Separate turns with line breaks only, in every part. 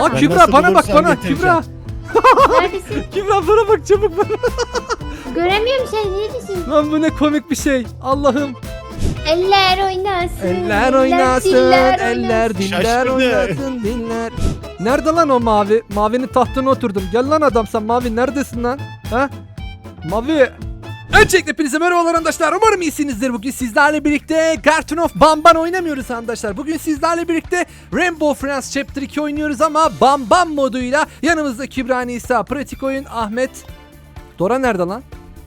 Tamam.
Kübra
nasıl
bana bak
bulursam
bana
getireceğim.
Kübra.
Neredesin?
Kübra bana bak çabuk bana.
Göremiyorum seni. Neredesin?
Lan bu ne komik bir şey. Allah'ım.
Eller oynasın.
Eller oynasın,
diller
eller diller
Şaşkınım.
oynasın, diller. Nerede lan o mavi? Mavinin tahtına oturdum. Gel lan adam sen mavi neredesin lan? Ha? Mavi. Öncelikle hepinize merhabalar arkadaşlar. Umarım iyisinizdir. Bugün sizlerle birlikte Garten of Banban oynamıyoruz arkadaşlar. Bugün sizlerle birlikte Rainbow Friends Chapter 2 oynuyoruz ama Banban moduyla. Yanımızda Kübra, Nisa, Pratik Oyun, Ahmet. Dora nerede lan?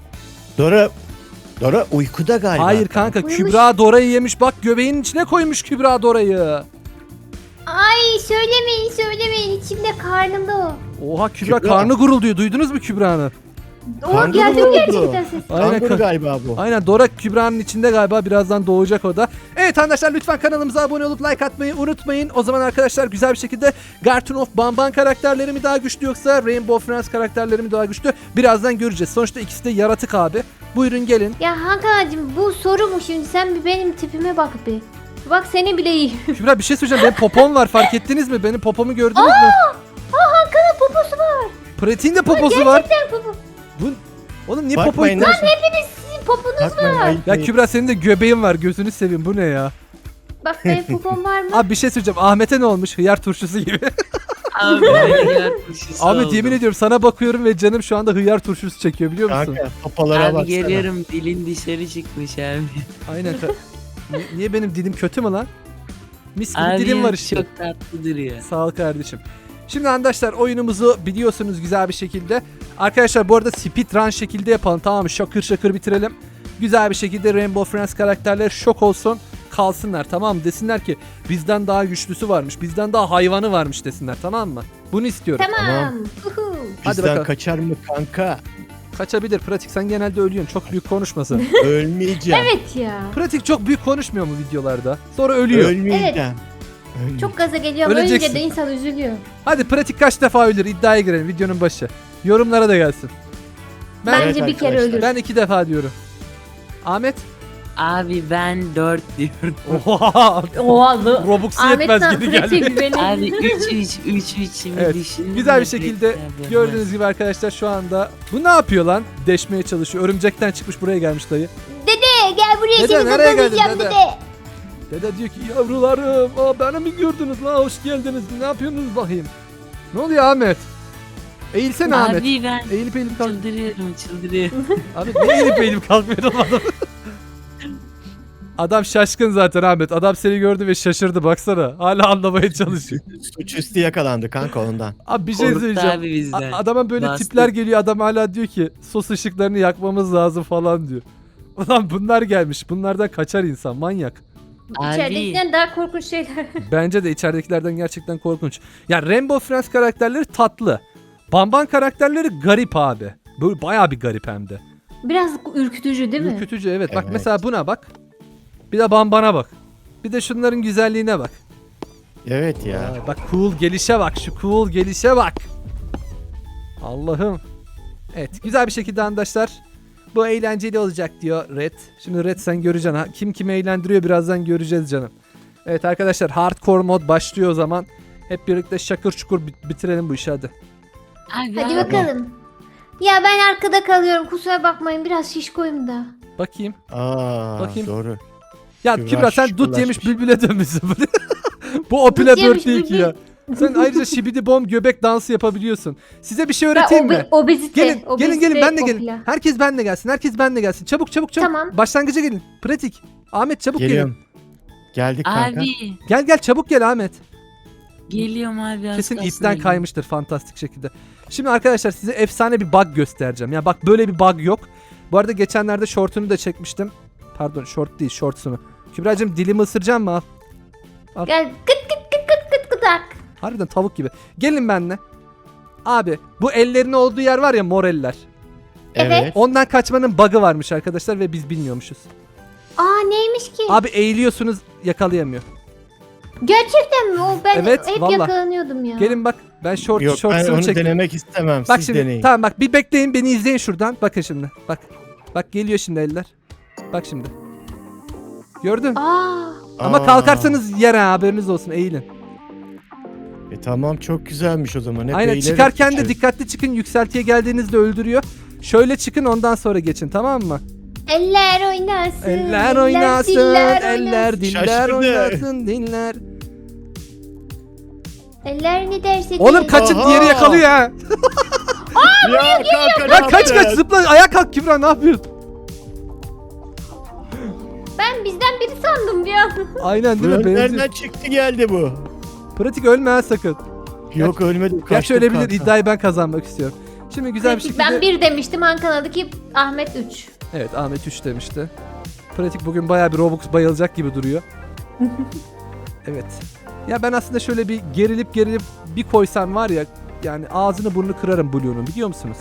Dora uykuda galiba.
Hayır kanka,
Uyumuş.
Kübra Dora'yı yemiş. Bak göbeğinin içine koymuş Kübra Dora'yı.
Ay söylemeyin. İçimde karnımda o.
Oha Kübra
Kübra.
karnı gurulduyor. Duydunuz mu Kübra'nı?
O
Kanguru
geldi
mu oldu?
gerçekten ses.
Aynen.
Kanguru galiba bu.
Aynen, Dora Kübra'nın içinde galiba, birazdan doğacak o da. Evet arkadaşlar, lütfen kanalımıza abone olup like atmayı unutmayın. O zaman arkadaşlar güzel bir şekilde Garten of Banban karakterleri mi daha güçlü yoksa Rainbow Friends karakterleri mi daha güçlü? Birazdan göreceğiz. Sonuçta ikisi de yaratık abi. Buyurun gelin.
Ya Hakan'cığım bu soru mu şimdi? Sen bir benim tipime bak bir. Bak seni bile iyi.
Kübra bir şey söyleyeceğim. Benim popom var, fark ettiniz mi? Benim popomu gördünüz mü?
Hakan'ın poposu var.
Pratik'in de poposu var.
Gerçekten popo.
Oğlum niye
Bakmayın
popo
lan.
Sizin poponuz
Bakmayın,
var.
ayıp
Ya
değil.
Kübra senin de göbeğin var. Gözünü seveyim. Bu ne ya?
Bak benim popom var mı?
Abi bir şey söyleyeceğim. Ahmet'e ne olmuş? Hıyar turşusu gibi.
Abi hıyar turşusu
Ahmet
oldu.
yemin ediyorum sana bakıyorum ve canım şu anda hıyar turşusu çekiyor, biliyor musun?
Kanka papalara
Abi
baksana.
geliyorum, dilin dışarı çıkmış abi.
Aynen. Niye benim dilim kötü mü lan? Mis gibi
Abi
dilim var işte.
çok tatlı duruyor.
Sağ ol kardeşim. Şimdi arkadaşlar oyunumuzu biliyorsunuz güzel bir şekilde. Arkadaşlar bu arada speedrun şekilde yapalım, tamam mı? Şakır şakır bitirelim. Güzel bir şekilde Rainbow Friends karakterleri şok olsun, kalsınlar, tamam mı? Desinler ki bizden daha güçlüsü varmış, bizden daha hayvanı varmış desinler, tamam mı? Bunu istiyorum.
Tamam. Uhu.
Hadi
Bizden
bakalım.
kaçar mı kanka?
Kaçabilir. Pratik sen genelde ölüyorsun. Çok büyük konuşmasın.
Ölmeyeceğim.
Evet ya.
Pratik çok büyük konuşmuyor mu videolarda? Sonra ölüyor.
Ölmeyeceğim. Ölmeyeceğim.
Çok gaza geliyorum.
Öleceksin.
Ölünce de insan üzülüyor.
Hadi Pratik kaç defa ölür? İddiaya girelim videonun başı. Yorumlara da gelsin.
Bence
Evet
bir kere
arkadaşlar.
ölür.
Ben 2 defa diyorum. Ahmet?
Abi ben 4 diyorum.
Oha!
Oha.
Robux
Ahmet
yetmez
sen
geri geldi.
pratik benim.
Abi 3 şimdi
Evet,
düşündüm
güzel
de
bir şekilde
bekler
gördüğünüz
dönmez.
gibi arkadaşlar şu anda. Bu ne yapıyor lan? Deşmeye çalışıyor. Örümcekten çıkmış buraya gelmiş dayı.
Dede gel buraya
Dede,
seni
nereye geldin
kazanacağım
dede?
dede.
Dede diyor ki yavrularım, beni mi gördünüz la, hoş geldiniz. Ne yapıyorsunuz bakayım? Ne oluyor Ahmet? Eğilsene Ahmet.
Abi ben
Eğilip eğilip kalk.
çıldırıyorum.
Ahmet niye eğilip eğilip kalkmıyor adam? Adam şaşkın zaten Ahmet. Adam seni gördü ve şaşırdı, baksana. Hala anlamaya çalışıyor.
Suçüstü yakalandı kanka ondan.
Abi bir şey
Korktu
söyleyeceğim.
abi bizden.
Adama böyle
Bastı.
tipler geliyor. Adam hala diyor ki sos ışıklarını yakmamız lazım falan diyor. Ulan bunlar gelmiş. Bunlardan kaçar insan. Manyak.
Abi
İçeridekinden daha korkunç şeyler.
Bence de içeridekilerden gerçekten korkunç. Ya Rainbow Friends karakterleri tatlı. Banban karakterleri garip abi. Böyle bayağı bir garip hem de.
Biraz ürkütücü değil mi?
Ürkütücü, evet. Bak
Evet.
mesela buna bak. Bir de Banban'a bak. Bir de şunların güzelliğine bak.
Evet ya.
Vay, bak cool gelişe bak. Şu cool gelişe bak. Allah'ım. Evet, güzel bir şekilde arkadaşlar. Bu eğlenceli olacak diyor Red. Şimdi Red sen göreceksin. Ha. Kim kimi eğlendiriyor birazdan göreceğiz canım. Evet arkadaşlar, hardcore mod başlıyor o zaman. Hep birlikte şakır çukur bitirelim bu işi hadi.
Abi
Hadi
abi.
bakalım. Ya ben arkada kalıyorum. Kusura bakmayın. Biraz şişkoyum da.
Bakayım.
Aa,
Bakayım.
doğru.
Ya
Kübra
Kübra sen dut yemiş
şıkırlaşmış.
bülbüle dönmüşsün. Bu Opile
Dut yemiş
4 değil ki
bülbül.
ya. Sen ayrıca şibidi bom göbek dansı yapabiliyorsun. Size bir şey öğreteyim mi?
Obezite.
Gelin
obezite
ben de gelin.
popüler.
Herkes benle gelsin. Herkes benle gelsin. Çabuk.
Tamam.
Başlangıca gelin. Pratik. Ahmet çabuk
Geliyorum. Geldik kanka.
Abi
gelin. Gel çabuk gel Ahmet.
geliyorum abi. az
Kesin
kalsın
ipten
ölüyorum.
kaymıştır fantastik şekilde. Şimdi arkadaşlar size efsane bir bug göstereceğim. Ya bak böyle bir bug yok. Bu arada geçenlerde short'unu da çekmiştim. Pardon short değil, shorts'unu. Kübra'cığım dilimi ısıracağım mı? Al.
Gel kıt kıt kıt kıt kıt kıtak.
Harbiden tavuk gibi. Gelin benimle. Abi bu ellerin olduğu yer var ya, mor eller.
Evet.
Ondan kaçmanın bug'ı varmış arkadaşlar ve biz bilmiyormuşuz.
Aa neymiş ki?
Abi eğiliyorsunuz, yakalayamıyor.
Gerçekten mi? O ben
Evet,
hep
vallahi.
yakalanıyordum ya.
Gelin bak, ben
Yok ben
shorts'unu
onu
çektim.
denemek istemem.
Bak
Siz
şimdi
deneyin.
tamam, bak bir bekleyin, beni izleyin şuradan. Bakın şimdi. Bak geliyor şimdi eller. Bak şimdi. Gördün?
Aa.
Ama
Aa,
kalkarsanız yere, haberiniz olsun, eğilin.
Tamam çok güzelmiş o zaman. Hep
Aynen,
eğilerek
çıkarken de
gideceğiz.
dikkatli çıkın. Yükseltiye geldiğinizde öldürüyor. Şöyle çıkın, ondan sonra geçin, tamam mı?
Eller oynasın.
Eller oynasın,
diller
eller diller
Şaşkındı.
oynasın, diller.
Eller ne derse
Oğlum
deyin.
kaçın,
Aha!
diğeri yakalıyor ha.
Ya kanka
Ya kaç kaç, zıpla, ayağa kalk Kübra, ne yapıyorsun?
Ben bizden biri sandım bir an.
Aynen değil mi?
Nereden
Benziyor.
çıktı geldi bu?
Pratik, ölme ha sakın.
Yok ölmedim.
Gerçi
kaçtım
öyle bilir,
kanka.
iddiayı ben kazanmak istiyorum. Şimdi güzel bir
Pratik,
şekilde...
ben 1 demiştim, Hakan adı ki Ahmet 3.
Evet, Ahmet 3 demişti. Pratik bugün bayağı bir Robux bayılacak gibi duruyor. Evet. Ya ben aslında şöyle bir gerilip bir koysam var ya, yani ağzını burnunu kırarım Blue'nun, biliyor musunuz?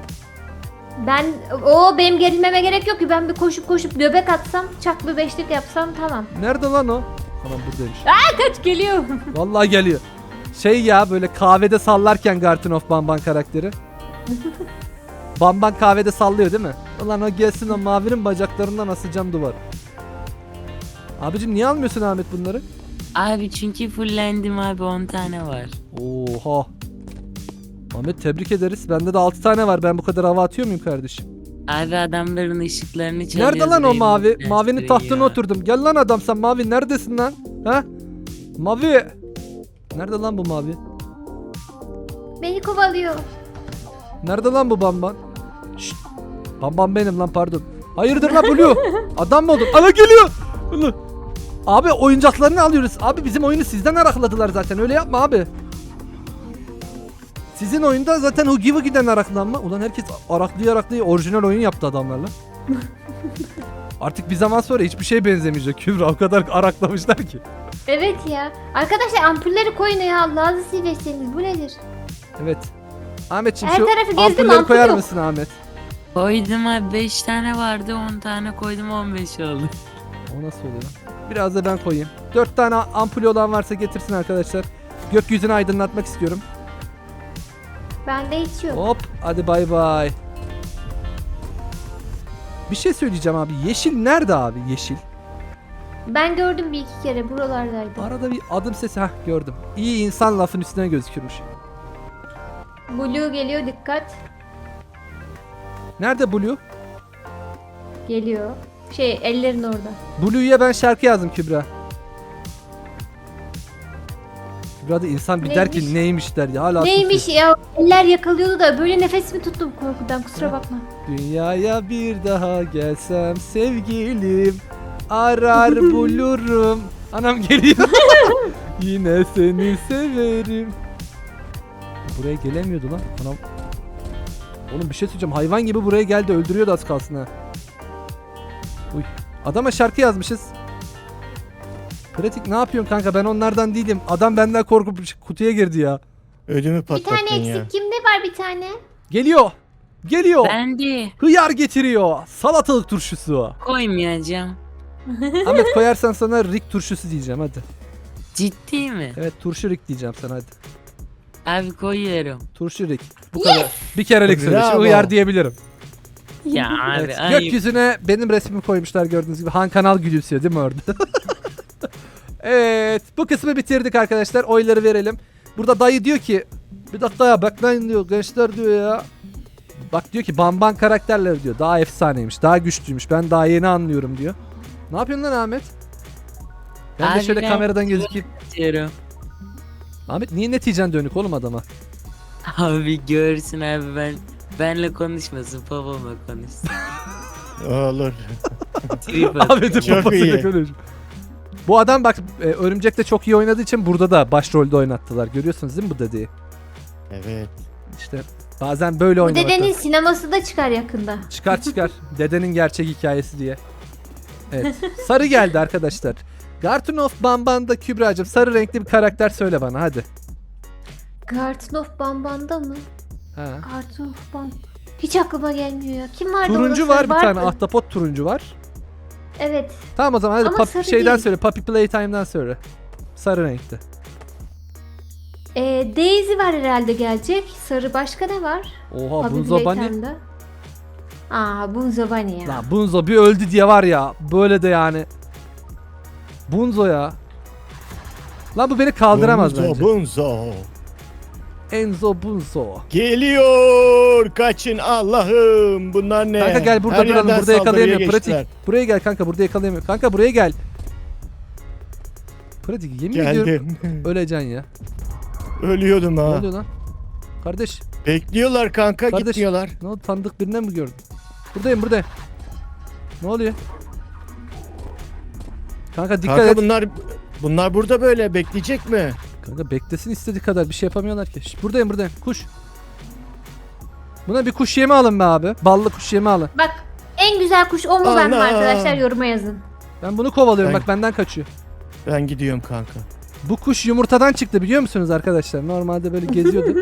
Benim gerilmeme gerek yok ki, ben bir koşup göbek atsam, çak bir beşlik yapsam tamam.
Nerede lan o? Tamam, buradaymış.
Kaç geliyor.
Vallahi geliyor. Şey ya, böyle kahvede sallarken Garten of Banban karakteri. Banban kahvede sallıyor değil mi? Ulan o gelsin, o mavinin bacaklarından asacağım duvar. Abicim niye almıyorsun Ahmet bunları?
Abi çünkü fullendim abi, 10 tane var.
Oha. Ahmet tebrik ederiz. Bende de 6 tane var. Ben bu kadar hava atıyor muyum kardeşim?
Abi adamların ışıklarını çalıyoruz.
Nerede lan o
Rainbow
mavi?
Flash'ları
Mavinin tahtına
ya.
oturdum. Gel lan adam sen, mavi neredesin lan? Ha? Mavi. Nerede lan bu mavi?
Beni kovalıyor.
Nerede lan bu Bamban? Şşt. Bamban benim lan, pardon. Hayırdır lan Blue? Adam mı oldun? Ana geliyor. Ulan. Abi oyuncaklarını alıyoruz. Abi bizim oyunu sizden arakladılar zaten. Öyle yapma abi. Sizin oyunda zaten Hugi Wugi'den araklanma. Ulan herkes araklıyor orijinal oyun yaptı adamlarla. Artık bir zaman sonra hiçbir şey benzemeyecek Kübra. O kadar araklamışlar ki.
Evet ya. Arkadaşlar ampulleri koyun ya, Allah'ını seversiniz, bu nedir?
Evet. Ahmetciğim
Her
şu
tarafı gezdim,
ampulleri
ampul
koyar
yok.
mısın Ahmet?
Koydum abi, 5 tane vardı, 10 tane koydum, 15 oldu.
O nasıl oluyor? Biraz da ben koyayım. 4 tane ampulü olan varsa getirsin arkadaşlar. Gökyüzünü aydınlatmak istiyorum.
Bende hiç yok.
Hop, hadi bay bay. Bir şey söyleyeceğim abi. Yeşil nerede abi, yeşil?
Ben gördüm bir iki kere, buralardaydı.
Arada bir adım sesi, hah gördüm. İyi insan lafın üstüne gözükürmüş.
Blue geliyor, dikkat.
Nerede Blue?
Geliyor. Ellerin orada.
Blue'ya ben şarkı yazdım Kübra. Kübra da insan bir der ki
Neymiş?
neymiş der ya, hala
Neymiş
susuyor.
ya, eller yakalıyordu da böyle nefesimi tuttum korkudan, kusura bakma.
Dünyaya bir daha gelsem sevgilim, arar bulurum. Anam geliyor. Yine seni severim. Buraya gelemiyordu lan. Anam. Oğlum bir şey söyleyeceğim. Hayvan gibi buraya geldi. Öldürüyordu az kalsın ha. Uy. Adama şarkı yazmışız. Pratik ne yapıyorsun kanka? Ben onlardan değilim. Adam benden korkup kutuya girdi ya.
Ödümü
Bir
patlattın
tane eksik,
ya.
kimde var bir tane?
Geliyor. Geliyor.
Ben de
Hıyar getiriyor. Salatalık turşusu.
koymayacağım.
Ahmet koyarsan sana Rick turşusu diyeceğim hadi.
Ciddi mi?
Evet, turşu Rick diyeceğim sana hadi.
Abi koyuyorum.
Turşu Rick. Bu kadar. Bir kerelik söyle. Şimdi
Bravo.
hıyar diyebilirim.
Ya abi
Evet.
ayıp.
Gökyüzüne benim resmimi koymuşlar gördüğünüz gibi. Han Kanal gülümsüyor değil mi orada? Evet. Bu kısmı bitirdik arkadaşlar. Oyları verelim. Burada dayı diyor ki, bir dakika ya bekleyin diyor gençler diyor ya. Bak diyor ki Bamban karakterleri diyor daha efsaneymiş, daha güçlüymüş. Ben daha yeni anlıyorum diyor. Ne yapıyorsun lan Ahmet? Ben de
Abi
şöyle
ben-
kameradan gözükeyim.
Diyorum.
Ahmet niye neticen dönük oğlum adama?
Abi görsün abi, benle konuşmasın, babamla konuşsun.
Olur.
Trip atıyor.
Ahmet'in
Çok
babasıyla
iyi.
konuş. Bu adam bak Örümcek'te çok iyi oynadığı için burada da başrolde oynattılar. Görüyorsunuz değil mi bu dediği?
Evet.
İşte bazen böyle
Bu
oynamak
dedenin
lazım.
sineması da çıkar yakında.
Çıkar. Dedenin gerçek hikayesi diye. Evet. Sarı geldi arkadaşlar. Garten of Bamban'da Kübra'cığım sarı renkli bir karakter söyle bana hadi.
Garten of Bamban'da mı?
Ha.
Garten of Bamban. Hiç aklıma gelmiyor ya. Kim vardı
Turuncu
orada?
var bir
Vardı.
tane, ahtapot turuncu var.
Evet.
Tamam o zaman hadi
Ama sarı
şeyden
değil.
söyle, Puppy Playtime'dan söyle. Sarı renkte.
Daisy var herhalde gelecek. Sarı, başka ne var?
Oha
Puppy
Bunzo Bunny.
Playtime'da. Bunzo Bunny ya.
Lan Bunzo bir öldü diye var ya, böyle de yani. Bunzo ya. Lan bu beni kaldıramaz bence.
Bunzo.
Enzo Bunzo.
Geliyor. Kaçın Allah'ım. Bunlar ne?
Kanka gel burada
Her
duralım.
yerden
Burada yakalayamıyor.
saldırıya geçtiler.
Pratik. Buraya gel kanka. Burada yakalayamıyor. Kanka buraya gel. Pratik yemin ediyorum.
Geldim.
Öleceksin ya.
Ölüyordum
Ne
ha.
oluyor lan? Kardeş.
Bekliyorlar kanka,
Kardeş.
gitmiyorlar.
Ne oldu? Tanıdık birine mi gördün? Buradayım. Ne oluyor? Kanka dikkat
Kanka
et.
bunlar burada böyle bekleyecek mi?
Kanka beklesin istediği kadar. Bir şey yapamıyorlar ki. Şş, buradayım. Kuş. Buna bir kuş yemi alın be abi. Ballı kuş yemi alın.
Bak en güzel kuş o mu ben mi
Allah.
arkadaşlar, yoruma yazın.
Ben bunu kovalıyorum.
Ben-
Bak benden kaçıyor.
Ben gidiyorum kanka.
Bu kuş yumurtadan çıktı biliyor musunuz arkadaşlar? Normalde böyle geziyordu.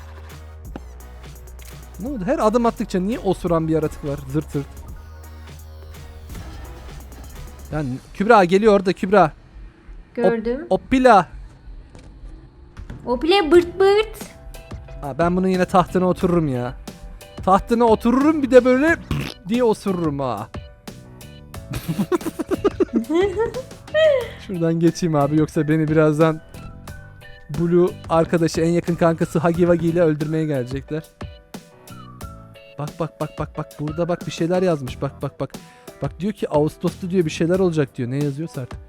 Ne oldu? Her adım attıkça niye osuran bir yaratık var? Zırt zırt. Yani Kübra geliyor orada Kübra.
Gördüm.
Oppila.
O bile bırt bırt.
Ha, ben bunun yine tahtına otururum ya. Tahtına otururum bir de böyle diye osururum ha. Şuradan geçeyim abi yoksa beni birazdan Blue arkadaşı en yakın kankası Hagi Wagi ile öldürmeye gelecekler. Bak burada bak bir şeyler yazmış bak. Bak diyor ki Ağustos'ta diyor bir şeyler olacak diyor. Ne yazıyorsa artık.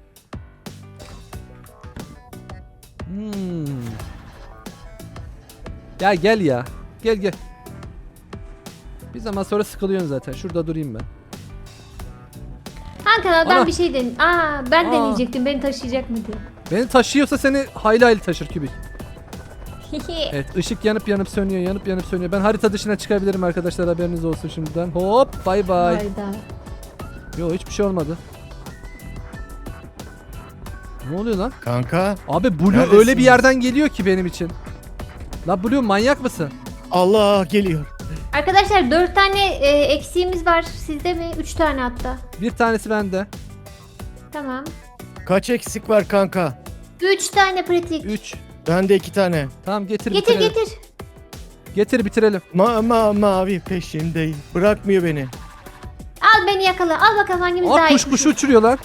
Ya gel ya. Gel. Bir zaman sonra sıkılıyorsun zaten. Şurada durayım ben.
Ankara'dan
Ana.
bir şey den. Ben
Aa.
deneyecektim, beni taşıyacak mı diye.
Beni taşıyorsa seni hayli hayli taşır Kübik. Evet ışık yanıp sönüyor. Ben harita dışına çıkabilirim arkadaşlar haberiniz olsun şimdiden. Hop bay bay.
Hayda.
Yo hiçbir şey olmadı. Ne oluyor lan?
Kanka
Abi Blue
Neredesin?
öyle bir yerden geliyor ki benim için. La Blue manyak mısın?
Allah geliyor.
Arkadaşlar 4 tane eksiğimiz var. Sizde mi? 3 tane hatta.
Bir tanesi bende.
Tamam.
Kaç eksik var kanka?
3 tane pratik.
3.
Bende 2 tane.
Tamam getir
Getir
bitirelim.
getir.
Getir bitirelim.
Mavi peşindeyim. Bırakmıyor beni.
Al beni yakala. Al bakalım hangimiz daha
Aa
iyi.
kuş kuşu uçuruyor lan.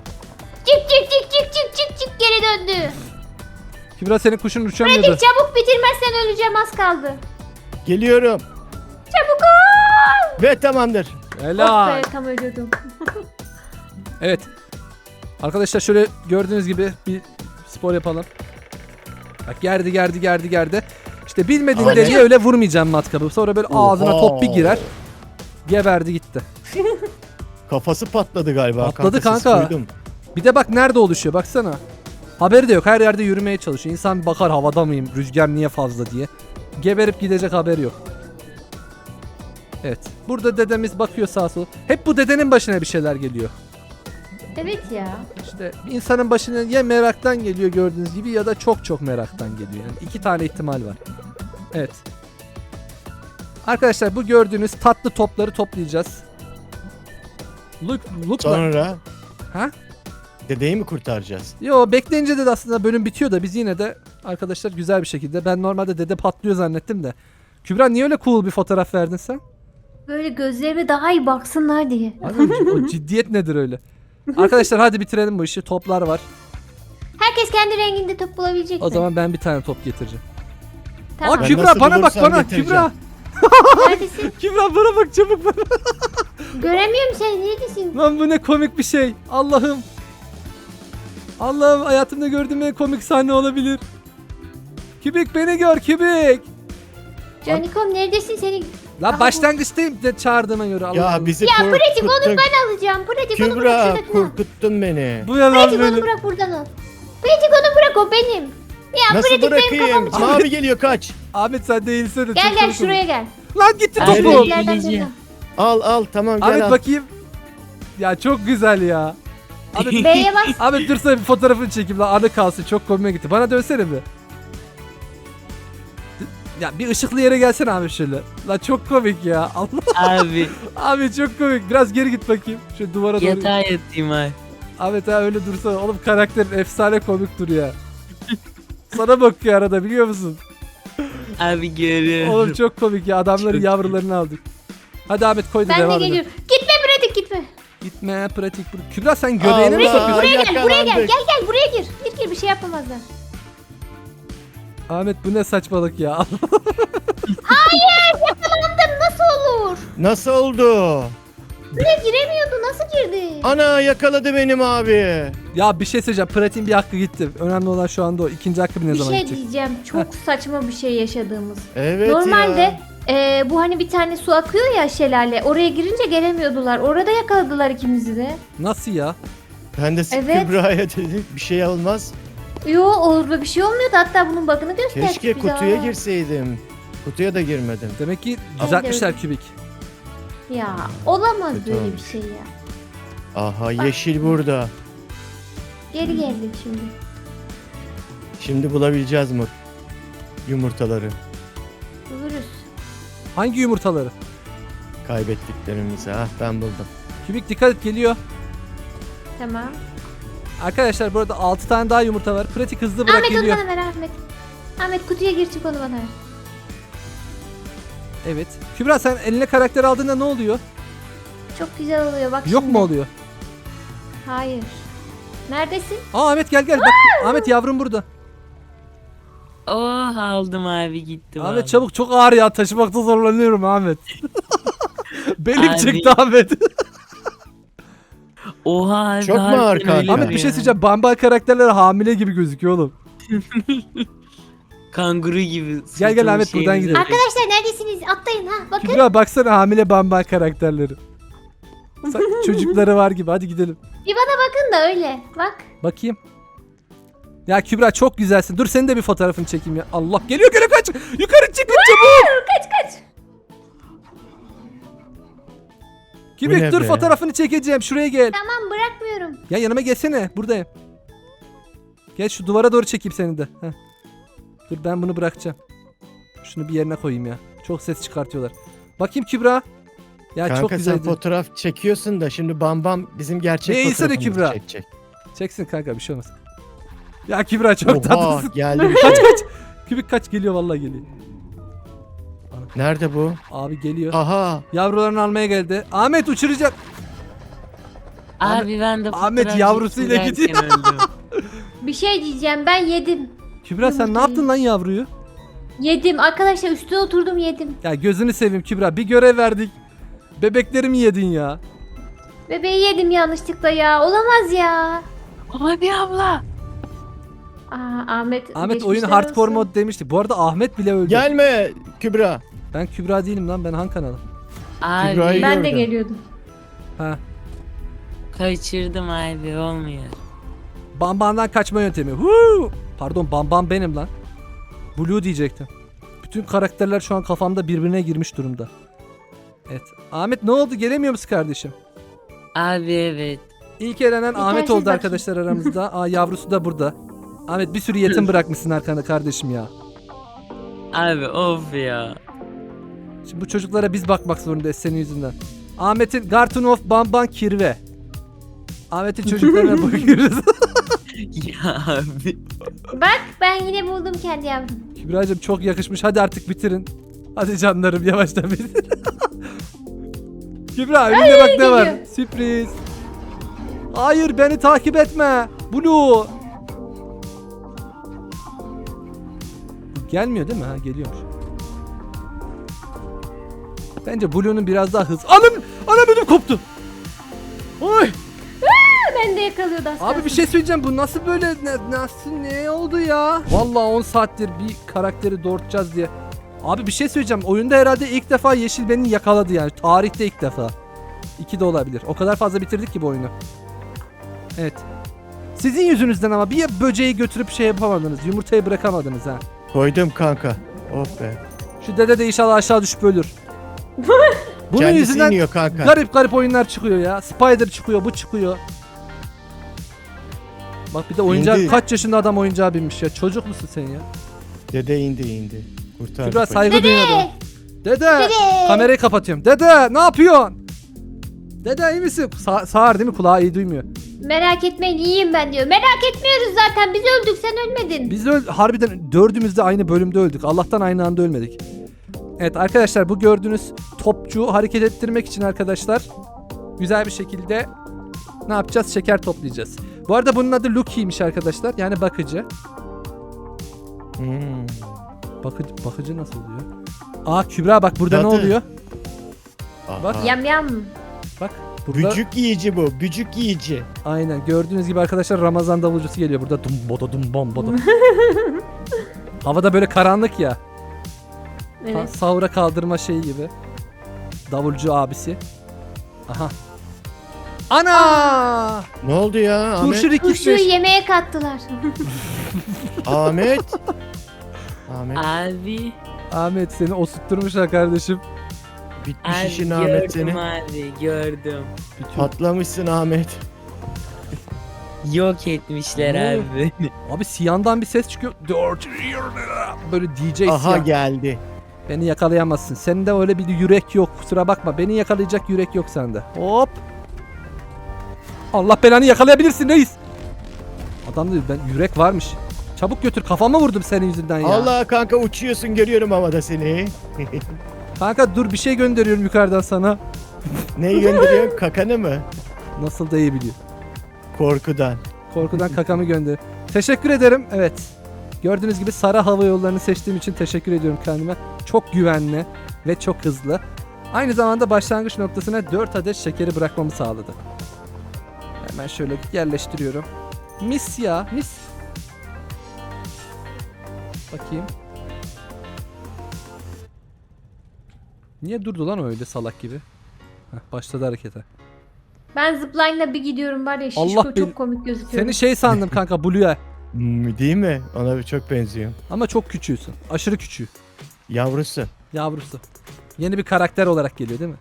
Çık geri döndü.
Kübra senin kuşun uçamıyordu.
Pratik çabuk, bitirmezsen öleceğim, az kaldı.
Geliyorum.
Çabuk ol.
Ve tamamdır.
Oh
Helal.
be, tam ölüyordum.
Evet. Arkadaşlar şöyle gördüğünüz gibi bir spor yapalım. Bak gerdi. İşte bilmediğin
Ama
deliğe öyle vurmayacağım matkabı. Sonra böyle ağzına top bir girer. Geberdi gitti.
Kafası patladı galiba.
Patladı
siz
kanka.
duydum.
Bir de bak nerede oluşuyor baksana. Haberi de yok. Her yerde yürümeye çalışıyor. İnsan bir bakar havada mıyım? Rüzgar niye fazla diye. Geberip gidecek haberi yok. Evet. Burada dedemiz bakıyor sağa sola. Hep bu dedenin başına bir şeyler geliyor.
Evet ya.
İşte insanın başına ya meraktan geliyor gördüğünüz gibi ya da çok meraktan geliyor. Yani iki tane ihtimal var. Evet. Arkadaşlar bu gördüğünüz tatlı topları toplayacağız. Look
Sonra
Ha?
dedeyi mi kurtaracağız?
Yo bekleyince de aslında bölüm bitiyor da biz yine de arkadaşlar güzel bir şekilde. Ben normalde dede patlıyor zannettim de. Kübra niye öyle cool bir fotoğraf verdin sen?
Böyle gözlerime daha iyi baksınlar diye.
Abi, o ciddiyet nedir öyle? Arkadaşlar hadi bitirelim bu işi. Toplar var.
Herkes kendi renginde top bulabilecek mi?
O zaman ben bir tane top getireceğim.
Tamam.
Aa
Ben
Kübra
nasıl
bana bak
bulursam
bana.
getireceğim.
Kübra.
Neredesin?
Kübra bana bak çabuk bana.
Göremiyorum seni. Neredesin?
Lan bu ne komik bir şey. Allah'ım. Allah'ım hayatımda gördüğüm en komik sahne olabilir. Kübik beni gör Kübik.
Canikom neredesin seni?
Lan
Aha,
başlangıçtayım de çağırdığıma göre. Allah
Ya
Allah.
bizi
Ya pratik onu
korkuttun.
ben alacağım. Pratik onu bırak
Kübra
şuradakine.
korkuttun beni.
Bu yalan
Pratik onu
böyle.
bırak, buradan al. Pratik onu bırak, o benim. Ya
Nasıl
pratik benim
bırakayım?
kafamı çevir.
Mavi geliyor kaç.
Ahmet sen değilsene.
Gel
çok
gel
komik
şuraya
olur.
gel.
Lan gitti
Abi,
topu.
Nerede?
Nereden
Geleceğim.
Al tamam gel
Ahmet
al.
bakayım. Ya çok güzel ya. Abi
B'ye bas.
Abi dur sana bir fotoğrafını çekeyim lan anı kalsın çok komime gitti. Bana dönsene bir. Ya bir ışıklı yere gelsene abi şöyle. Lan çok komik ya. Allah.
Abi
Abi çok komik. Biraz geri git bakayım. Şu duvara doğru.
yatağa yatayım abi.
Ahmet abi öyle dursana. Oğlum karakterin efsane komik duruyor. Sana bakıyor arada biliyor musun?
Abi görüyorum.
Oğlum çok komik ya. Adamların
Çok
yavrularını aldık. Hadi Ahmet koy da
Ben de
devam edelim.
geliyorum. Gitme pratik, gitme.
Gitme pratik. Kübra sen göbeğine mi
Allah.
sokuyorsun?
Buraya gel, buraya gel.
yakalandık.
Gel buraya gir. Gir. gir bir şey yapamazlar.
Ahmet bu ne saçmalık ya.
Nasıl olur?
Nasıl oldu?
Buraya giremiyordu. Nasıl girdi?
Ana yakaladı benim abi.
Ya bir şey söyleyeceğim. Pratiğin bir hakkı gitti. Önemli olan şu anda o. İkinci hakkı ne
Bir
zaman
şey
gidecek?
diyeceğim. Çok saçma bir şey yaşadığımız.
Evet
Normalde
ya.
bu hani bir tane su akıyor ya, şelale. Oraya girince gelemiyordular. Orada yakaladılar ikimizi de.
Nasıl ya?
Ben de
Evet.
Kübra'ya dedim bir şey olmaz.
Yo, orada bir şey olmuyordu. Hatta bunun bakını gösterdik
Keşke
bize.
kutuya
Aa.
girseydim. Kutuya da girmedim.
Demek ki düzeltmişler kübik.
Ya olamaz
Kötü
böyle
olmuş.
bir şey ya.
Aha yeşil burada.
Geri geldik şimdi.
Şimdi bulabileceğiz mi yumurtaları?
Buluruz.
Hangi yumurtaları?
Kaybettiklerimizi. Ah ben buldum.
Kübik dikkat et, geliyor.
Tamam.
Arkadaşlar burada 6 tane daha yumurta var. Pratik hızlı bırak,
Ahmet onu
geliyor.
bana ver Ahmet. Ahmet kutuya gir, çık onu bana ver.
Evet. Kübra sen eline karakter aldığında ne oluyor?
Çok güzel oluyor bak
Yok
şimdi.
mu oluyor?
Hayır. Neredesin?
Aa Ahmet gel. Bak Ahmet yavrum burada.
Oh aldım abi gitti.
Ahmet
vallahi.
çabuk, çok ağır ya, taşımakta zorlanıyorum Ahmet. Belim
Abi.
çıktı Ahmet.
Oha abi.
Çok mu
harbiden
ağır kanka?
öyle
Ahmet bir
ya.
şey söyleyeceğim. Bamba karakterler hamile gibi gözüküyor oğlum.
Kanguru gibi.
Gel Ahmet, buradan gidelim.
Arkadaşlar neredesiniz? Atlayın ha. Bakın.
Kübra baksana hamile Bamba karakterleri. Çocukları var gibi, hadi gidelim.
Bir bana bakın da öyle. Bak.
Bakayım. Ya Kübra çok güzelsin. Dur senin de bir fotoğrafını çekeyim ya. Allah geliyor kaç. Yukarı çıkın çabuk.
Kaç.
Kübik
ne
dur
be?
fotoğrafını çekeceğim. Şuraya gel.
Tamam, bırakmıyorum.
Ya yanıma gelsene. Buradayım. Gel şu duvara doğru çekeyim seni de. Heh. Dur ben bunu bırakacağım. Şunu bir yerine koyayım ya. Çok ses çıkartıyorlar. Bakayım Kübra. Ya
Kanka
çok
sen
güzeldi.
fotoğraf çekiyorsun da şimdi Bam bizim gerçek
Neyse de
fotoğrafımızı
Kübra.
çekecek.
Çeksin kanka, bir şey olmaz. Ya Kübra çok
Oha
tatlısın.
geldi bir
Kaç
şey.
kaç. Kübik kaç, geliyor vallahi geliyor.
Nerede bu?
Abi geliyor.
Aha.
Yavrularını almaya geldi. Ahmet uçuracak.
Abi ben de
Ahmet
fotoğraf
yavrusuyla
çekilirken
gidiyor.
öldüm.
Bir şey diyeceğim. Ben yedim.
Kübra sen ne
Yumurtayı.
yaptın lan yavruyu?
Yedim. Arkadaşlar üstüne oturdum yedim.
Ya gözünü seveyim Kübra, bir görev verdik. Bebeklerimi yedin ya.
Bebeği yedim yanlışlıkla ya. Olamaz ya.
Abi abla.
Aa, Ahmet
Oyun
geçmişler
hardcore
olsun.
mod demiştik. Bu arada Ahmet bile öldü.
Gelme Kübra.
Ben Kübra değilim lan, ben Han kanalı.
Abi
Kübra'yı
Ben de
gördüm.
geliyordum.
Ha.
kaçırdım abi olmuyor.
Bamban'dan kaçma yöntemi. Huu! Pardon, Bamban benim lan. Blue diyecektim. Bütün karakterler şu an kafamda birbirine girmiş durumda. Evet. Ahmet ne oldu? Gelemiyor musun kardeşim?
Abi evet.
İlk elenen
Bir
Ahmet
tersiz
oldu
bakayım.
arkadaşlar aramızda. Aa yavrusu da burada. Ahmet bir sürü yetim bırakmışsın arkanda kardeşim ya.
Abi of ya.
Şimdi bu çocuklara biz bakmak zorundayız senin yüzünden. Ahmet'in Garten of Bamban Kirve. Ahmet'in çocuklarına bakıyoruz.
Ya abi.
Bak ben yine buldum kendi yavrum.
Kübra'cığım çok yakışmış. Hadi artık bitirin. Hadi canlarım yavaştan bitirin. Kübra önünde bak ne var.
geliyor.
Sürpriz. Hayır beni takip etme. Blue. Gelmiyor değil mi? Ha geliyormuş. Bence Blue'nun biraz daha hız. Anam ödüm koptu. Oy.
Ben de yakalıyordu az
Abi
kalsın.
bir şey söyleyeceğim, bu nasıl böyle ne oldu ya? Vallahi 10 saattir bir karakteri doğurtacağız diye. Abi bir şey söyleyeceğim, oyunda herhalde ilk defa Yeşil beni yakaladı yani, tarihte ilk defa. 2 de olabilir, o kadar fazla bitirdik ki bu oyunu. Evet. Sizin yüzünüzden ama bir böceği götürüp şey yapamadınız, yumurtayı bırakamadınız ha.
Koydum kanka. Oh be.
Şu dede de inşallah aşağı düşüp ölür. Bunun
Kendisi
yüzünden
iniyor kanka.
garip oyunlar çıkıyor ya. Spider çıkıyor, bu çıkıyor. Bak bir de oyuncak,
İndi.
kaç yaşında adam oyuncağa binmiş ya. Çocuk musun sen ya?
Dede indi. Kurtardık.
Kübra
onu.
saygı duyuyordu. Dede!
Dede!
Kamerayı kapatıyorum. Dede ne yapıyorsun? Dede iyi misin? Sağır değil mi? Kulağı iyi duymuyor.
Merak etmeyin iyiyim ben diyor. Merak etmiyoruz zaten, biz öldük sen ölmedin.
Biz harbiden dördümüz de aynı bölümde öldük. Allah'tan aynı anda ölmedik. Evet arkadaşlar, bu gördüğünüz topçu hareket ettirmek için arkadaşlar güzel bir şekilde ne yapacağız? Şeker toplayacağız. Bu arada bunun adı Lookie'ymiş arkadaşlar. Yani bakıcı.
Hmm.
Bakıcı nasıl oluyor? Aa Kübra bak burada ne
Cadı.
oluyor?
Aha.
Bak.
Yam yam.
Bak burada.
Bücük yiyici bu. Bücük yiyici.
Aynen gördüğünüz gibi arkadaşlar Ramazan davulcusu geliyor. Burada dum boda. Havada böyle karanlık ya.
Evet.
Sahura kaldırma şeyi gibi. Davulcu abisi. Aha. Ana!
Ne oldu ya Ahmet?
Turşu
Turşuyu
rikitmiş.
yemeğe kattılar.
Ahmet. Ahmet.
Abi.
Ahmet seni osutturmuşlar kardeşim.
Bitmiş
Abi
işin Ahmet
gördüm
seni.
abi gördüm.
Patlamışsın Ahmet.
Yok etmişler
Ne?
abi beni.
Abi Siyan'dan bir ses çıkıyor. Böyle DJ
Aha
Siyan.
geldi.
Beni yakalayamazsın. Sende öyle bir yürek yok. Kusura bakma. Beni yakalayacak yürek yok sende. Hop. Allah belanı yakalayabilirsin reis. Adam diyor ben yürek varmış. Çabuk götür kafama vurdum senin yüzünden ya.
Allah kanka uçuyorsun görüyorum havada seni.
Kanka dur bir şey gönderiyorum yukarıdan sana.
Neyi gönderiyorsun? Kakanı mı?
Nasıl da iyi biliyor.
Korkudan.
Korkudan kakamı gönder. Teşekkür ederim. Evet. Gördüğünüz gibi Sara Hava Yolları'nı seçtiğim için teşekkür ediyorum kendime. Çok güvenli ve çok hızlı. Aynı zamanda başlangıç noktasına 4 adet şekeri bırakmamı sağladı. Hemen şöyle yerleştiriyorum. Mis ya, mis. Bakayım. Niye durdu lan öyle salak gibi? Heh, başladı harekete.
Ben zipline'la bir gidiyorum var ya şişko
Allah
çok
bil-
komik gözüküyor.
Seni şey sandım kanka Blue'ya.
Değil mi? Ona bir çok benziyor.
Ama çok küçüğüsün. Aşırı küçüğü.
Yavrusu.
Yavrusu. Yeni bir karakter olarak geliyor değil mi?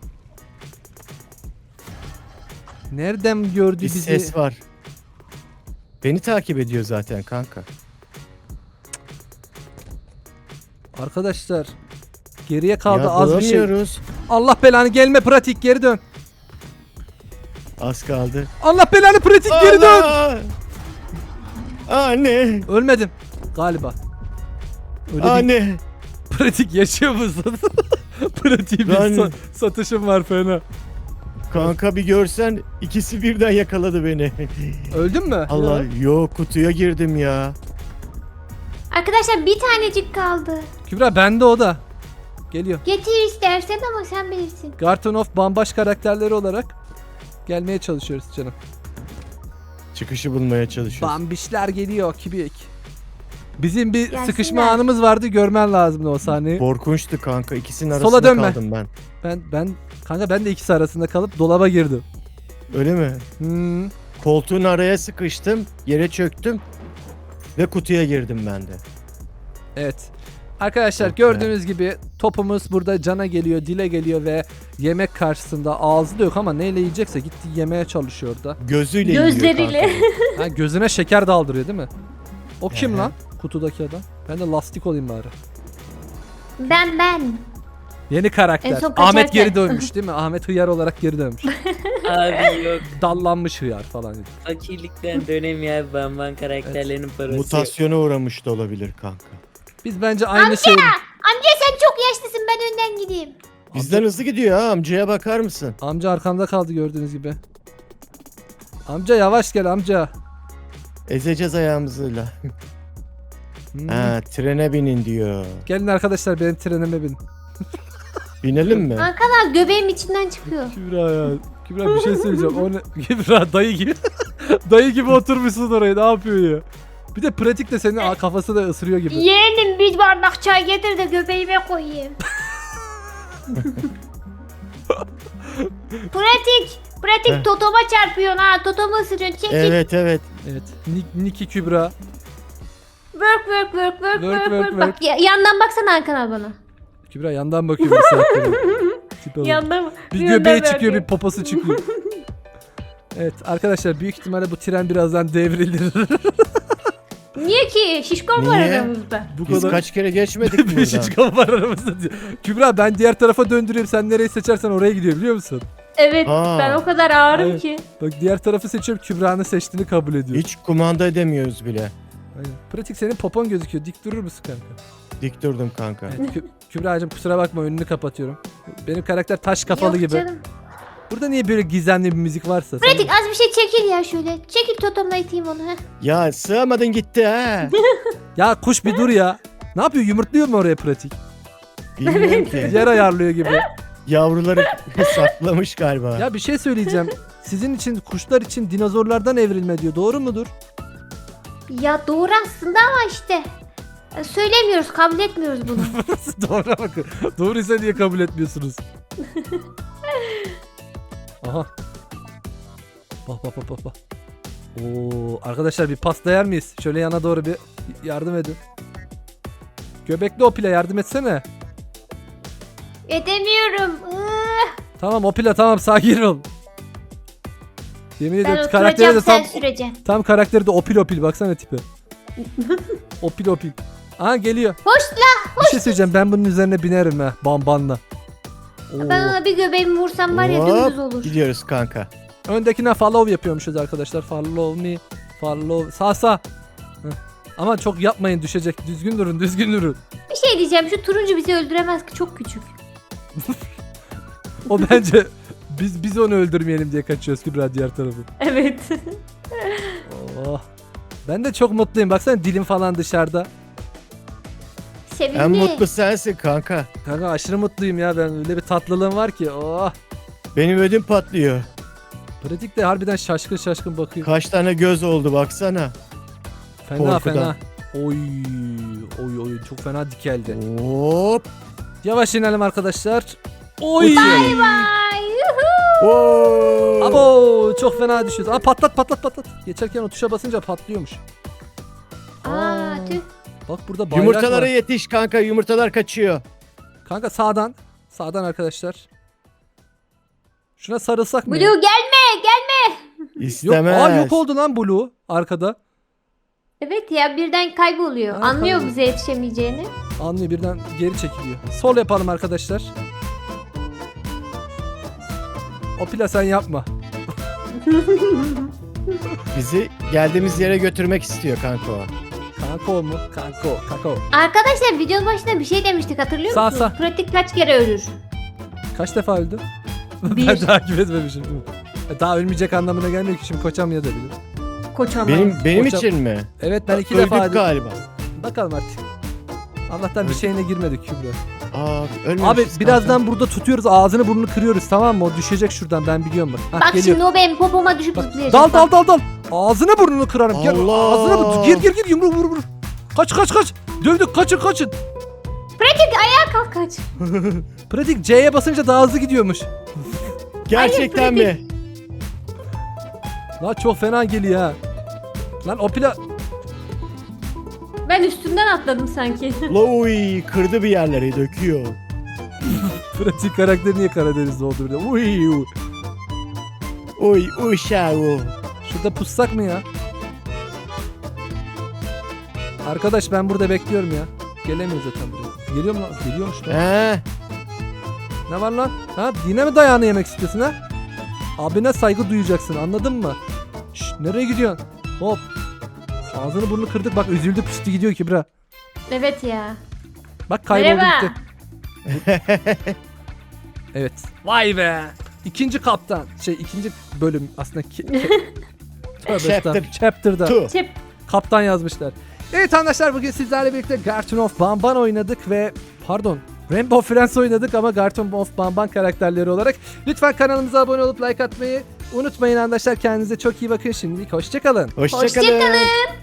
Nereden gördü
Bir
bizi?
ses var. Beni takip ediyor zaten kanka.
Arkadaşlar geriye kaldı
Ya
az bir şey.
bulamıyoruz.
Allah belanı gelme pratik geri dön.
Az kaldı.
Allah belanı pratik geri dön.
Allah! Anne.
Ölmedim galiba. Öyle değil.
Anne.
Pratik yaşıyor musun? Pratik bir
Ben-
satışım var fena.
Kanka bir görsen ikisi birden yakaladı beni.
Öldün mü?
Allah
Ya.
yok kutuya girdim ya.
Arkadaşlar bir tanecik kaldı.
Kübra bende o da. Geliyor.
Getir istersen ama sen bilirsin.
Garton of Bambaş karakterleri olarak gelmeye çalışıyoruz canım.
Çıkışı bulmaya çalışıyoruz.
Bambişler geliyor kibik. Bizim bir
Gelsinler.
sıkışma anımız vardı görmen lazımdı o sahneyi.
Korkunçtu kanka. İkisinin
Sola
arasında
dönme.
kaldım ben.
Kanka ben de ikisi arasında kalıp dolaba girdim.
Öyle mi?
Hmm.
Koltuğun araya sıkıştım. Yere çöktüm. Ve kutuya girdim ben de.
Evet. Arkadaşlar
Çok
gördüğünüz gibi topumuz burada cana geliyor, dile geliyor ve yemek karşısında ağzı da yok ama neyle yiyecekse gitti yemeye çalışıyor da.
Gözüyle yiyor
Gözleriyle.
kanka.
Ha, gözüne şeker daldırıyor değil mi? O kim
Ehe.
lan? Kutudaki adam. Ben de lastik olayım bari.
Ben.
Yeni karakter.
En son
Ahmet
kaçarken.
geri dönmüş değil mi? Ahmet hıyar olarak geri dönmüş.
Abi yok.
Dallanmış hıyar falan.
Fakirlikten dönemiyor abi. Bamban karakterlerin parası yok.
Mutasyona uğramış da olabilir kanka.
Biz bence aynı şey.
Amca sen çok yaşlısın ben önden gideyim.
Bizden hızlı gidiyor ha, amcaya bakar mısın?
Amca arkamda kaldı gördüğünüz gibi. Amca yavaş gel amca.
Ezeceğiz ayağımızla.
Hmm.
Ha, trene binin diyor.
Gelin arkadaşlar benim trenime bin.
Binelim mi?
Kankalar göbeğim içinden çıkıyor.
Kübra ya. Kübra bir şey söyleyeceğim. O ne? Kübra dayı gibi. dayı gibi oturmuşsun oraya. Ne yapıyor ya? Bir de pratikle senin kafası da ısırıyor gibi.
Yeğenim bir bardak çay getir de göbeğime koyayım. Pratik
Heh.
totoma çarpıyorsun ha. Totomu ısırıyorsun. Çekil.
Evet evet.
Evet. Niki Kübra.
Work. Bak yandan baksana Hakan abi bana.
Kübra yandan bakıyor bir saattir. Tipe bak.
Yandan
Bir
yandan
göbeği
bakıyor.
çıkıyor, bir poposu çıkıyor. Evet arkadaşlar büyük ihtimalle bu tren birazdan devrilir.
Niye ki? Şişko var
Niye?
aramızda.
Bu
Biz
kadar
kaç kere geçmedik
bir
buradan.
şişko var aramızda diyor. Kübra ben diğer tarafa döndürüyorum. Sen nereyi seçersen oraya gidiyor biliyor musun?
Evet
Aa.
ben o kadar ağırım
Hayır.
ki.
Bak diğer tarafı seçiyorum. Kübra'nın seçtiğini kabul ediyor.
Hiç kumanda edemiyoruz bile.
Aynen. Pratik senin popon gözüküyor. Dik durur musun kanka?
Dik durdum kanka.
Evet, Kübra'cığım kusura bakma önünü kapatıyorum. Benim karakter taş kafalı
Yok
gibi.
canım.
Burada niye böyle gizemli bir müzik varsa?
Pratik az bir şey çekil ya şöyle. Çekil totomla iteyim onu. Heh.
Ya sığamadın gitti ha.
Ya kuş bir dur ya. Ne yapıyor? Yumurtluyor mu oraya pratik?
Bilmiyorum ki.
Yer ayarlıyor gibi.
Yavruları saklamış galiba.
Ya bir şey söyleyeceğim. Sizin için kuşlar için dinozorlardan evrilme diyor. Doğru mudur?
Ya doğru aslında ama işte söylemiyoruz, kabul etmiyoruz bunu.
Doğru bakın. Doğruysa niye kabul etmiyorsunuz? Aha. Bak bak bak bak bak. Oo, arkadaşlar bir pasta yer miyiz? Şöyle yana doğru bir yardım edin. Göbekli Opile yardım etsene.
Edemiyorum.
Tamam Opile tamam sakin ol. Yemin
Ben
ediyorum karakteri
oturacağım
de
sen
tam,
süreceksin.
tam karakteri de Opil Opil baksana tipi. Opil Opil. Aha geliyor.
Hoş
Bir şey söyleyeceğim ben bunun üzerine binerim ha bambanla. Oo.
Ben ona bir göbeğimi vursam var ya
Hop,
dümdüz olur.
gidiyoruz kanka.
Öndekine follow yapıyormuşuz arkadaşlar. Follow me. Follow. Sağ sağ. Heh. Ama çok yapmayın düşecek. Düzgün durun düzgün durun.
Bir şey diyeceğim, şu turuncu bizi öldüremez ki, çok küçük.
O bence biz onu öldürmeyelim diye kaçıyoruz Kübra diğer tarafı.
Evet.
Oh. Ben de çok mutluyum. Baksana dilim falan dışarıda.
Sevimli.
En mutlu sensin kanka.
Kanka aşırı mutluyum ya ben. Öyle bir tatlılığım var ki. Oh.
Benim ödüm patlıyor.
Pratik de harbiden şaşkın şaşkın bakıyor.
Kaç tane göz oldu baksana.
Fena
korkudan.
fena. Oy. Oy oy çok fena dikeldi.
Hop.
Yavaş inelim arkadaşlar. Oy.
Bay bay. Yuhu.
Oo.
Abo çok fena düşüyoruz. Aa patlat patlat patlat. Geçerken o tuşa basınca patlıyormuş.
Aa, tüh.
Bak burada bayrak
Yumurtalara
var.
yetiş kanka, yumurtalar kaçıyor.
Kanka sağdan. Sağdan arkadaşlar. Şuna sarılsak mı?
Blue
ya?
gelme.
Yok,
İstemez.
yok oldu lan Blue arkada.
Evet ya, birden kayboluyor.
Ha,
Anlıyor
kayboluyor.
bize yetişemeyeceğini.
Anlıyor birden geri çekiliyor. Sol yapalım arkadaşlar. Opila sen yapma.
Bizi geldiğimiz yere götürmek istiyor kanka o.
Kanko mu? Kanko.
Arkadaşlar videonun başında bir şey demiştik, hatırlıyor
Sağ,
musunuz?
sağ.
Pratik kaç kere ölür?
Kaç defa öldün?
Bir.
Ben takip etmemişim değil mi? Daha ölmeyecek anlamına gelmiyor ki şimdi koçamayabilir.
Koçama.
Benim
Hocam-
için mi?
Evet ben 2
Öldük
defa öldüm.
galiba.
Bakalım artık. Allah'tan bir şeyine girmedik Kübra.
Aa, ölmemişiz
Abi
kanka.
birazdan burada tutuyoruz ağzını burnunu kırıyoruz tamam mı? O düşecek şuradan ben biliyorum bak. Hah,
Bak
geliyor.
şimdi o benim popoma düşüp
Bak,
zıplayacak.
dal. Ağzını burnunu kırarım. Gel
Allah!
ağzını gir yumruğu vur. Kaç. Dövdük kaçın.
Pratik ayağa kalk, kaç.
Pratik C'ye basınca daha hızlı gidiyormuş.
Gerçekten
Hayır,
mi?
Lan çok fena geliyor ha. Lan Opila
Ben üstünden atladım sanki.
Lowy kırdı bir yerleri, döküyor.
Pratik karakteri niye Karadeniz'de oldu burada? Uy.
Uy uşağı.
Şurada pussak mı ya? Arkadaş ben burada bekliyorum ya. Gelemiyor zaten buraya. Geliyor mu lan? Geliyormuş lan.
He?
Ne var lan? Ha yine mi dayağını yemek istiyorsun ha? Abine saygı duyacaksın anladın mı? Şşt nereye gidiyorsun? Hop. Ağzını burnunu kırdık bak üzüldü püstü gidiyor Kübra.
Evet ya.
Bak kayboldu
Merhaba.
gitti. Evet. Vay be. İkinci kaptan. İkinci bölüm aslında. Tövbe estağfurullah. Chapter'da.
Tu.
Çep.
Kaptan yazmışlar. Evet arkadaşlar bugün sizlerle birlikte Garton of Banban oynadık ve Rainbow Friends oynadık ama Garton of Banban karakterleri olarak. Lütfen kanalımıza abone olup like atmayı unutmayın arkadaşlar. Kendinize çok iyi bakın şimdilik. Hoşçakalın.
Hoşçakalın.
Hoşçakalın.